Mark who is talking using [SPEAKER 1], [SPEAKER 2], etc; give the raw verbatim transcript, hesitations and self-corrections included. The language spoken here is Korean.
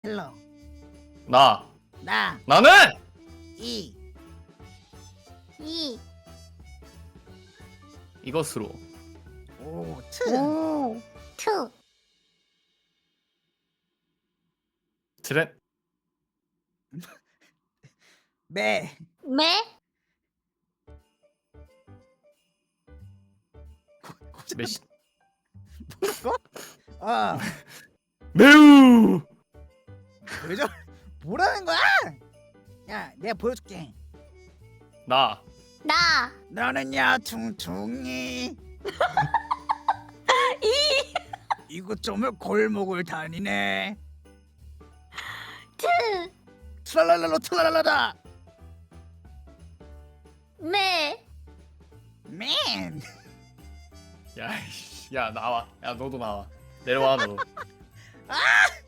[SPEAKER 1] 헬로
[SPEAKER 2] 나
[SPEAKER 1] 나
[SPEAKER 2] 나는
[SPEAKER 1] 이
[SPEAKER 3] 이,
[SPEAKER 2] 이것으로
[SPEAKER 1] 오트
[SPEAKER 3] 오, 투,
[SPEAKER 2] 트랩
[SPEAKER 1] 매
[SPEAKER 3] 매,
[SPEAKER 2] 메시
[SPEAKER 1] 어
[SPEAKER 2] 매우
[SPEAKER 1] 왜 저 뭐라는 거야? 야 내가 보여줄게.
[SPEAKER 2] 나
[SPEAKER 3] 나,
[SPEAKER 1] 너는야 퉁퉁이
[SPEAKER 3] 이,
[SPEAKER 1] 이곳저곳 골목을 다니네.
[SPEAKER 3] 투,
[SPEAKER 1] 트랄랄랄로 트랄랄라다
[SPEAKER 3] 매,
[SPEAKER 1] 맨.
[SPEAKER 2] 야, 이씨, 야 나와 야 너도 나와 내려와 너
[SPEAKER 1] 아